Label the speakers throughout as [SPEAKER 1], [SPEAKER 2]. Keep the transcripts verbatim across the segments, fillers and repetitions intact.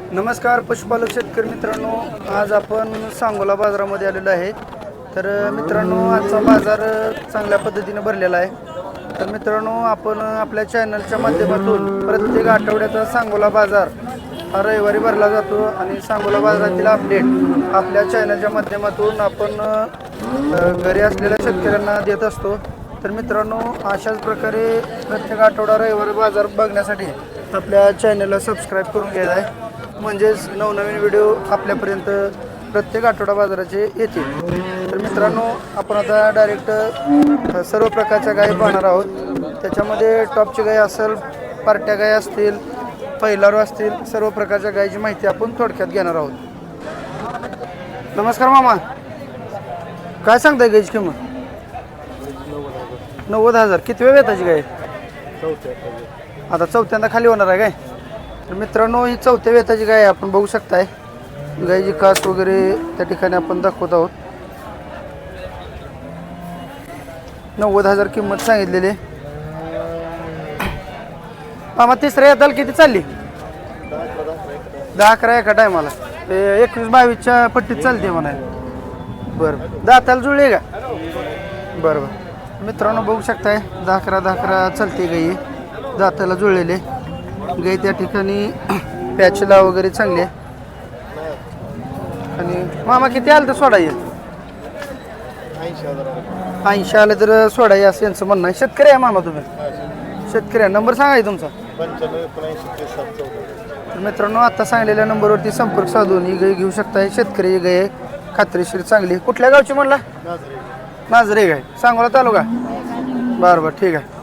[SPEAKER 1] नमस्कार पशुपालक शेतकरी मित्रांनो, आज आपण सांगोला बाजारामध्ये आलेलो आहे। तर मित्रांनो, आजचा बाजार चांगल्या पद्धतीने भरलेला आहे। तर मित्रांनो, आपण आपल्या चॅनलच्या माध्यमातून प्रत्येक आठवड्याचा सांगोला बाजार हा रविवारी भरला जातो आणि सांगोला बाजारातील अपडेट आपल्या चॅनलच्या माध्यमातून आपण घरी असलेल्या शेतकऱ्यांना देत असतो। तर मित्रांनो, अशाच प्रकारे प्रत्येक आठवडा रविवारी बाजार बघण्यासाठी आपल्या चॅनलला सबस्क्राईब करून घ्यायचं आहे, म्हणजेच नवनवीन व्हिडिओ आपल्यापर्यंत प्रत्येक आठवडा बाजाराचे येतील। तर मित्रांनो, आपण आता डायरेक्ट सर्व प्रकारच्या गायी पाहणार आहोत। त्याच्यामध्ये टॉपची गाय असेल, पार्ट्या गाय असतील, पहिलारू असतील, सर्व प्रकारच्या गायीची माहिती आपण थोडक्यात घेणार आहोत। नमस्कार मामा, काय सांगताय गायीची किंमत? नव्वद हजार किती वेळ येताची गाय? आता चौथ्यांदा खाली होणार आहे काय? तर मित्रांनो, ही चौथ्या वेताची गाय आपण बघू शकताय। गायची कास वगैरे त्या ठिकाणी आपण दाखवत आहोत। नव्वद हजार किंमत सांगितलेली। मामा, तिसऱ्या येताल किती चालली? दहा अकरा एका टायमाला एकवीस बावीसच्या पट्टीत चालते म्हणाय। बरं, दाताला जुळले का? बरं बरं मित्रांनो, बघू शकताय दहा अकरा दहा अकरा चालते गाई, दाताला जुळलेले गाई। त्या ठिकाणी पॅचला वगैरे चांगले। आणि मामा, किती आलं तर सोडा येईल? ऐंशी आलं तर सोडा ये असं यांचं म्हणणं आहे। शेतकरी आहे मामा तुम्ही? शेतकरी आहे। नंबर सांगाय तुमचा? तर मित्रांनो, आता सांगलेल्या नंबरवरती संपर्क साधून ही गाय घेऊ शकताय। शेतकरी गाय आहे, खात्रीशीर चांगली। कुठल्या गावची म्हणला? नाझरे गाय, सांगोला तालुका? बरं बरं, ठीक आहे।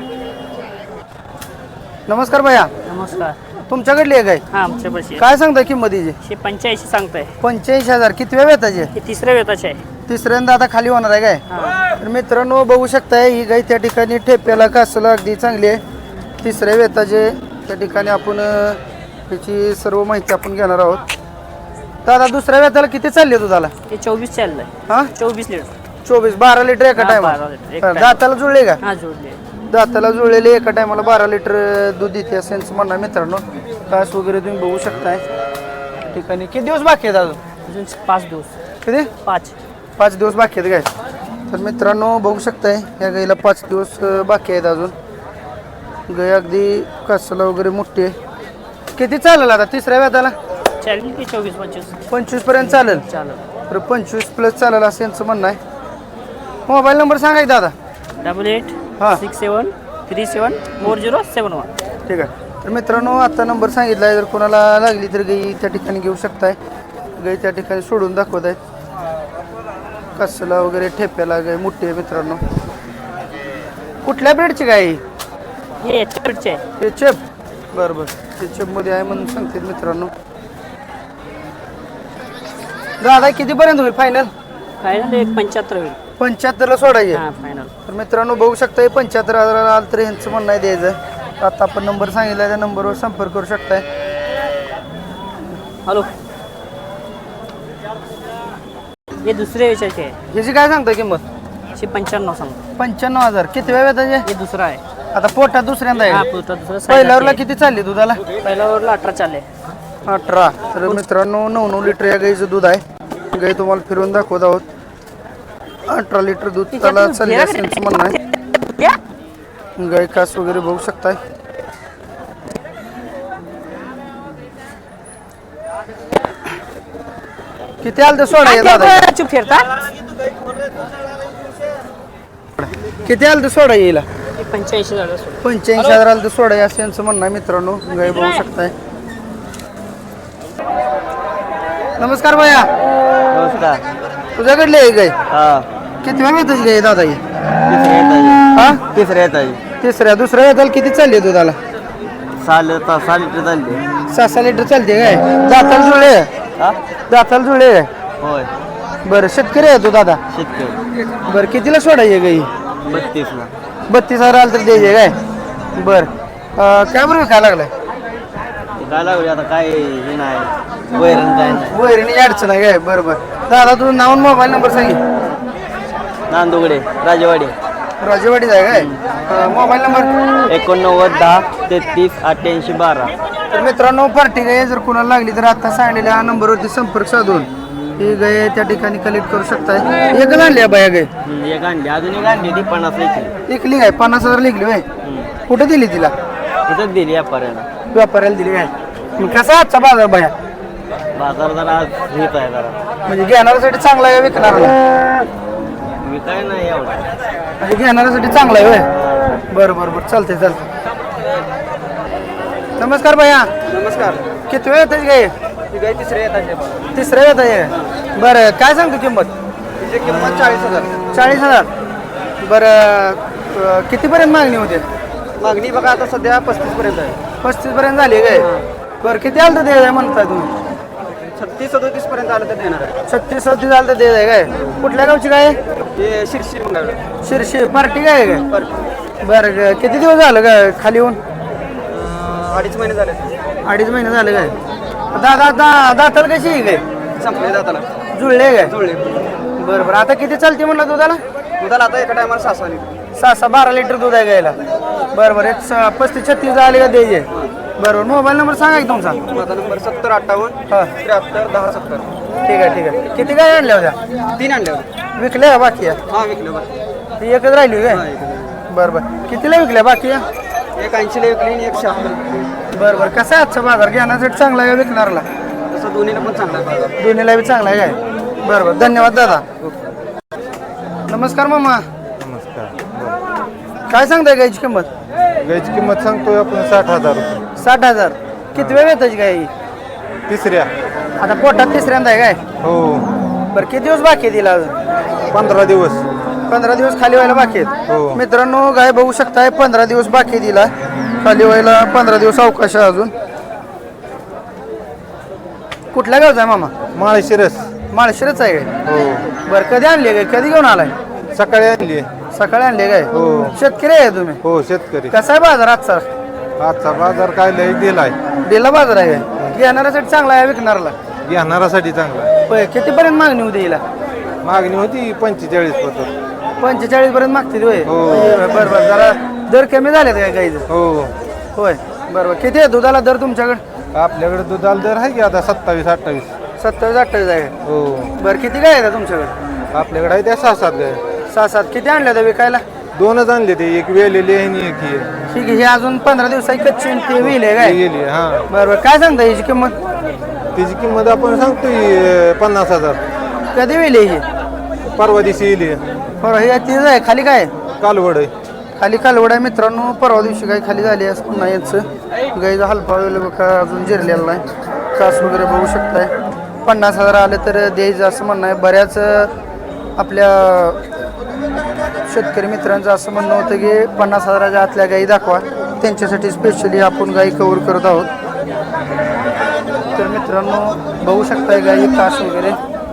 [SPEAKER 1] नमस्कार भैया।
[SPEAKER 2] नमस्कार।
[SPEAKER 1] तुमच्याकडली आहे गाय?
[SPEAKER 2] हा, आमच्यापाशी आहे।
[SPEAKER 1] काय सांगताय किंमत हिची?
[SPEAKER 2] पंच्याऐंशी सांगताय।
[SPEAKER 1] पंच्याऐंशी हजार किती वेळ वेताची?
[SPEAKER 2] हे तिसऱ्या वेताचे आहे।
[SPEAKER 1] तिसऱ्यांदा आता खाली होणार आहे काय? तर मित्रांनो, बघू शकताय ही गाय त्या ठिकाणी ठेप्याला कासला अगदी चांगली आहे। तिसऱ्या वेताचे त्या ठिकाणी आपण त्याची सर्व माहिती आपण घेणार आहोत। दादा, दुसऱ्या वेताला किती चालली दुधाला?
[SPEAKER 2] हे चोवीस चाललंय।
[SPEAKER 1] हा,
[SPEAKER 2] चोवीस लिटर।
[SPEAKER 1] चोवीस बारा लिटर एका
[SPEAKER 2] हा,
[SPEAKER 1] टायमाला?
[SPEAKER 2] बारा लिटर एका
[SPEAKER 1] दाताला जुळले का?
[SPEAKER 2] हा, जोडले।
[SPEAKER 1] दाताला जुळलेले एका टायमाला बारा लिटर दूध देते असं यांचं म्हणणं आहे। मित्रांनो, कास वगैरे तुम्ही बघू शकताय। ठिकाणी किती दिवस बाकी आहेत अजून?
[SPEAKER 2] अजून पाच दिवस।
[SPEAKER 1] किती?
[SPEAKER 2] पाच
[SPEAKER 1] पाच दिवस बाकी आहेत गाय। तर मित्रांनो, बघू शकताय या गाईला पाच दिवस बाकी आहेत अजून। गाय अगदी कासाला वगैरे मोठी आहे। किती चालेल आता तिसऱ्या वेताला?
[SPEAKER 2] चालेल की चोवीस पंचवीस
[SPEAKER 1] पंचवीस पर्यंत चालेल?
[SPEAKER 2] चालेल।
[SPEAKER 1] तर पंचवीस प्लस चालेल असं यांचं म्हणणं आहे। मोबाईल नंबर सांगा दादा?
[SPEAKER 2] डबल एट
[SPEAKER 1] हां
[SPEAKER 2] six seven three seven four zero seven one.
[SPEAKER 1] ठीक आहे। तर मित्रांनो, आता नंबर सांगितला आहे, जर कोणाला लागली तर गाई त्या ठिकाणी घेऊ शकताय। गाई त्या ठिकाणी सोडून दाखवत आहेत। कासला वगैरे ठेप्याला गाय मोठी आहे। मित्रांनो, कुठल्या ब्रेडची गाय?
[SPEAKER 2] हे चेपचे आहे।
[SPEAKER 1] हे चेप? बरं बरं, ते चेपमध्ये आहे म्हणून सांगते मित्रांनो। दादा, कितीपर्यंत होईल फायनल?
[SPEAKER 2] फायनल एक पंच्याहत्तर होईल।
[SPEAKER 1] पंच्याहत्तरला सोडायचे?
[SPEAKER 2] हा, फायनल।
[SPEAKER 1] तर मित्रांनो, बघू शकता पंच्याहत्तर हजाराला आलं तर यांचं म्हणणं आहे द्यायचं। आता आपण नंबर सांगितला, त्या नंबरवर संपर्क करू शकताय।
[SPEAKER 2] हॅलो, हे दुसरे विचारचे आहे।
[SPEAKER 1] ह्याची काय सांगता किंमत?
[SPEAKER 2] हे पंच्याण्णव सांगतो।
[SPEAKER 1] पंच्याण्णव हजार किती वेळ येताचे?
[SPEAKER 2] हे दुसरा आहे।
[SPEAKER 1] आता पोटात दुसऱ्यांदा
[SPEAKER 2] हा,
[SPEAKER 1] आहे?
[SPEAKER 2] पुढचा दुसरा
[SPEAKER 1] पहिल्यावरला किती चालली दुधाला?
[SPEAKER 2] पहिल्यावरला अठरा चालले।
[SPEAKER 1] अठरा। तर मित्रांनो, नऊ नऊ लिटर या गाईचं दूध आहे। गाई तुम्हाला फिरवून दाखवत आहोत। अठरा लिटर दूध त्याला चालले असं यांचं म्हणणं आहे। गाय कास वगैरे बघू शकताय। किती आलं तर सोडा ये दादा?
[SPEAKER 2] चुप फिरता।
[SPEAKER 1] किती आलं तर सोडा येईल?
[SPEAKER 2] पंच्याऐंशी झालं।
[SPEAKER 1] पंच्याऐंशी हजार आलं तर सोडा ये असं यांचं म्हणणं आहे। मित्रांनो, गाय बघू शकताय। नमस्कार भैया।
[SPEAKER 3] नमस्कार।
[SPEAKER 1] तुझ्याकडली आहे गाय?
[SPEAKER 3] हा,
[SPEAKER 1] किती वेळ येतच गाय दादा? ही
[SPEAKER 3] तिसऱ्या येत
[SPEAKER 1] हा,
[SPEAKER 3] तिसऱ्या येत आहे।
[SPEAKER 1] तिसऱ्या दुसऱ्या येताल किती चालली दुधाला?
[SPEAKER 3] साल ता सहा लिटर चालले।
[SPEAKER 1] सहा सहा लिटर चालते काय? दाताला जुळले?
[SPEAKER 3] हा,
[SPEAKER 1] दाताला जुळले काय?
[SPEAKER 3] होय।
[SPEAKER 1] बरं, शेतकरी आहे तू दादा?
[SPEAKER 3] शेतकरी।
[SPEAKER 1] बरं, कितीला सोडायचे गाई?
[SPEAKER 3] बत्तीसला।
[SPEAKER 1] बत्तीस हजार आलं तर द्यायचे काय? बरं, काय बरोबर काय लागलाय?
[SPEAKER 3] काय लागले आता? काय हे नाही, वैरण काय नाही।
[SPEAKER 1] वैरणी अडचण आहे काय? बरं बरं दादा, तुझं नाव आणि मोबाईल नंबर सांगे?
[SPEAKER 3] नांदुगडे, राजेवाडी।
[SPEAKER 1] राजेवाडीच आहे काय? Mobile number?
[SPEAKER 3] एकोणनव्वद दहा तेहतीस अठ्ठ्याऐंशी बारा।
[SPEAKER 1] तर मित्रांनो पार्टी गाय जर कोणाला लागली तर आता सांगलेल्या नंबरवरती संपर्क साधून ही गाय त्या ठिकाणी कलेक्ट करू शकताय. एकच आणली आहे बाया गाय
[SPEAKER 3] हम्म, एक अंडी अजून एक अंडी ती पन्नास ऐकली
[SPEAKER 1] एकली गाय पन्नास हजार लिखली बाय. कुठे दिली तिला?
[SPEAKER 3] इथंच दिली व्यापाऱ्याला.
[SPEAKER 1] व्यापाऱ्याला दिली काय? मग कसा आजचा बाजार बाया
[SPEAKER 3] बाजार जरा आज हेच आहे जरा
[SPEAKER 1] म्हणजे घेणाऱ्यासाठी चांगला आहे विकणाऱ्याला?
[SPEAKER 3] मी काय नाही एवढा.
[SPEAKER 1] म्हणजे घेणाऱ्यासाठी चांगला आहे होय. बरं बरं बरं चालतंय चालतंय. नमस्कार भैया.
[SPEAKER 3] नमस्कार.
[SPEAKER 1] किती वेळ येतात गाय?
[SPEAKER 3] ती गाय तिसऱ्या येतात.
[SPEAKER 1] तिसऱ्या येत आहे. बरं काय सांगतो किंमत?
[SPEAKER 3] तिची किंमत चाळीस हजार.
[SPEAKER 1] चाळीस हजार. बरं अं, कितीपर्यंत मागणी होते?
[SPEAKER 3] मागणी बघा आता सध्या पस्तीस पर्यंत आहे.
[SPEAKER 1] पस्तीस पर्यंत झाली काय? बरं किती आलं तर दे म्हणताय तुम्ही?
[SPEAKER 3] छत्तीस सदोतीस पर्यंत आलं तर देणार आहे.
[SPEAKER 1] छत्तीस सत्तीस आलं तर दे आहे काय? कुठल्या गावची काय?
[SPEAKER 3] हे शिरशी मंगळ
[SPEAKER 1] शिरशी पार्टी काय आहे काय? बरं ग- किती दिवस झालं काय खाली येऊन?
[SPEAKER 3] अडीच महिने झाले.
[SPEAKER 1] अडीच महिने झाले काय? दादा दा दाताल कशी आहे काय?
[SPEAKER 3] संपले जाताला
[SPEAKER 1] जुळले काय?
[SPEAKER 3] जुळले.
[SPEAKER 1] बरं बरं आता किती चालते म्हणलं दुधाला?
[SPEAKER 3] दुधाला आता एका टायमाला सहा सहा लिटर.
[SPEAKER 1] सहा सहा बारा लिटर दूध आहे गायला. बरं बरं एक स- पस्तीस छत्तीस आले का द्यायचे? बरोबर मोबाईल नंबर सांगा की तुमचा.
[SPEAKER 3] माझा नंबर सत्तर अठ्ठावन्न
[SPEAKER 1] हां
[SPEAKER 3] त्र्याहत्तर दहा सत्तर.
[SPEAKER 1] ठीक आहे ठीक आहे. किती काय आणल्या होत्या?
[SPEAKER 3] तीन आणले होते.
[SPEAKER 1] विकल्या का बाकी आहे?
[SPEAKER 3] हा विकले बरं.
[SPEAKER 1] ती एकच राहिली काय?
[SPEAKER 3] हा, एक.
[SPEAKER 1] बरं बरं कितीला विकल्या बाकी आहे?
[SPEAKER 3] एक ऐंशीला विकली आणि एक शहात्तर.
[SPEAKER 1] बरं बरं कसं आहे आजचा बाजार घेण्यासाठी चांगला आहे का विकणारला?
[SPEAKER 3] तसं दोन्हीला पण चांगला आहे बाजार.
[SPEAKER 1] दोन्हीला बी चांगला आहे काय? बरं बरं धन्यवाद दादा. नमस्कार मामा.
[SPEAKER 4] नमस्कार.
[SPEAKER 1] काय सांगताय गायची किंमत?
[SPEAKER 4] गायची किंमत सांगतोय आपण साठ हजार रुपये.
[SPEAKER 1] साठ हजार. किती वेळ येताची गाय ही?
[SPEAKER 4] तिसऱ्या.
[SPEAKER 1] आता पोटात तिसऱ्यांदा आहे काय?
[SPEAKER 4] हो.
[SPEAKER 1] बरं किती दिवस बाकी आहे तिला अजून?
[SPEAKER 4] पंधरा दिवस.
[SPEAKER 1] पंधरा दिवस खाली व्हायला बाकी आहेत.
[SPEAKER 4] हो.
[SPEAKER 1] मित्रांनो गाय बघू शकताय पंधरा दिवस बाकी दिला खाली व्हायला. पंधरा दिवस अवकाश आहे अजून. कुठल्या गावचा आहे मामा?
[SPEAKER 4] माळशिरस.
[SPEAKER 1] माळशिरच आहे काय?
[SPEAKER 4] हो.
[SPEAKER 1] बरं कधी आणली काय? कधी घेऊन आलाय?
[SPEAKER 4] सकाळी आणली.
[SPEAKER 1] सकाळी आणले काय?
[SPEAKER 4] हो.
[SPEAKER 1] शेतकरी आहे तुम्ही?
[SPEAKER 4] हो शेतकरी.
[SPEAKER 1] कसा आहे बाजार आजचा?
[SPEAKER 4] आजचा बाजार काय लय दिलाय.
[SPEAKER 1] दिला बाजार आहे काय? घेणाऱ्यासाठी चांगला आहे विकणाऱ्याला?
[SPEAKER 4] घेणारासाठी चांगला.
[SPEAKER 1] होय कितीपर्यंत मागणी होती हिला?
[SPEAKER 4] मागणी होती पंचेचाळीस पत्र.
[SPEAKER 1] पंचेचाळीस पर्यंत मागते होय?
[SPEAKER 4] हो.
[SPEAKER 1] म्हणजे बरं बरं जरा दर कमी झालेत काय गाईचं?
[SPEAKER 4] हो.
[SPEAKER 1] होय बरं बरं किती आहे दुधाला दर तुमच्याकडे?
[SPEAKER 4] आपल्याकडे दुधाला दर आहे की आता सत्तावीस अठ्ठावीस.
[SPEAKER 1] सत्तावीस अठ्ठावीस आहे.
[SPEAKER 4] हो.
[SPEAKER 1] बरं किती गाय आहे तुमच्याकडे?
[SPEAKER 4] आपल्याकडे आहे त्या सहा सात गाय.
[SPEAKER 1] सहा सात. किती आणल्या त्या विकायला?
[SPEAKER 4] दोनच आणले ते, एक वेलेली आहे आणि एक ही आहे.
[SPEAKER 1] ठीक आहे हे अजून पंधरा दिवसाची कच्ची आणि ते होईल आहे काय?
[SPEAKER 4] ती गेली. हा.
[SPEAKER 1] बरं बरं काय सांगता याची किंमत?
[SPEAKER 4] तिची किंमत आपण सांगतोय पन्नास हजार.
[SPEAKER 1] कधी होईल ही?
[SPEAKER 4] परवा दिवशी येईल.
[SPEAKER 1] बरं हे तीच आहे खाली काय?
[SPEAKER 4] कालवड आहे.
[SPEAKER 1] खाली कालवड आहे मित्रांनो. परवा दिवशी गाय खाली झाली असं पुन्हा यांचं गाईचा हलपा वगैरे बघा अजून जिरलेला नाही. कास वगैरे बघू शकताय. पन्नास हजार आले तर द्यायचं असं म्हणणं आहे. बऱ्याच आपल्या शेतकरी मित्रांचं असं म्हणणं होतं की पन्नास हजाराच्या आतल्या गाई दाखवा. त्यांच्यासाठी स्पेशली आपण गाई कव्हर करत आहोत. तर मित्रांनो बघू शकताय गाई कास वगैरे.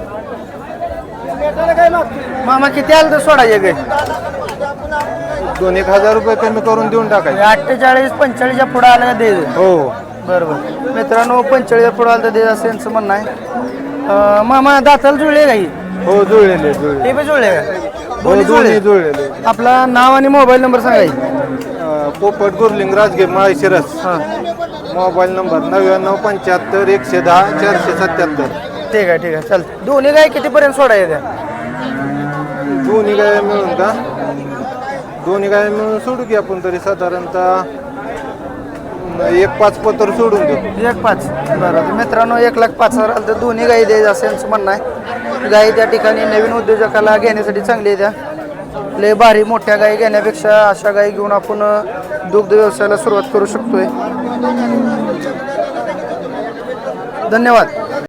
[SPEAKER 1] मामा किती आलं तर सोडायचे गाई?
[SPEAKER 4] दोन एक हजार रुपये कमी करून देऊन टाकायचे.
[SPEAKER 1] अठ्ठेचाळीस पंचेचाळीसच्या पुढं आलं का द्यायचं?
[SPEAKER 4] हो.
[SPEAKER 1] बरोबर मित्रांनो पंचेचाळीस पुढं आलं तर द्यायचं असं यांचं म्हणणं आहे. अं, मामा दाताला जुळले गाई?
[SPEAKER 4] हो जुळलेले जुळले.
[SPEAKER 1] ते बी जुळले का?
[SPEAKER 4] हो
[SPEAKER 1] दोन्ही
[SPEAKER 4] दोन्ही
[SPEAKER 1] जुळले.
[SPEAKER 4] जुळलेले.
[SPEAKER 1] आपला नाव आणि मोबाईल नंबर सांगाय.
[SPEAKER 4] अं, पोपट गुरलिंग राजगीर माळशिरस.
[SPEAKER 1] हां
[SPEAKER 4] मोबाईल नंबर नव्याण्णव पंच्याहत्तर एकशे दहा चारशे सत्याहत्तर.
[SPEAKER 1] ठीक आहे ठीक आहे चालतं. दोन्ही गाय कितीपर्यंत सोडायच्या त्या?
[SPEAKER 4] दोन्ही गाय मिळून का? दोन्ही गाय मिळून सोडू की आपण तरी साधारणतः एक पाच पत्र सोडून देऊ.
[SPEAKER 1] एक पाच. बरं तर मित्रांनो एक लाख पाच हजार आलं तर दोन्ही गाई द्यायचं असं यांचं म्हणणं आहे. गाई त्या ठिकाणी नवीन उद्योजकाला घेण्यासाठी चांगली आहे. त्या लय भारी मोठ्या गाई घेण्यापेक्षा अशा गाई घेऊन आपण दुग्ध व्यवसायाला सुरुवात करू शकतोय. धन्यवाद.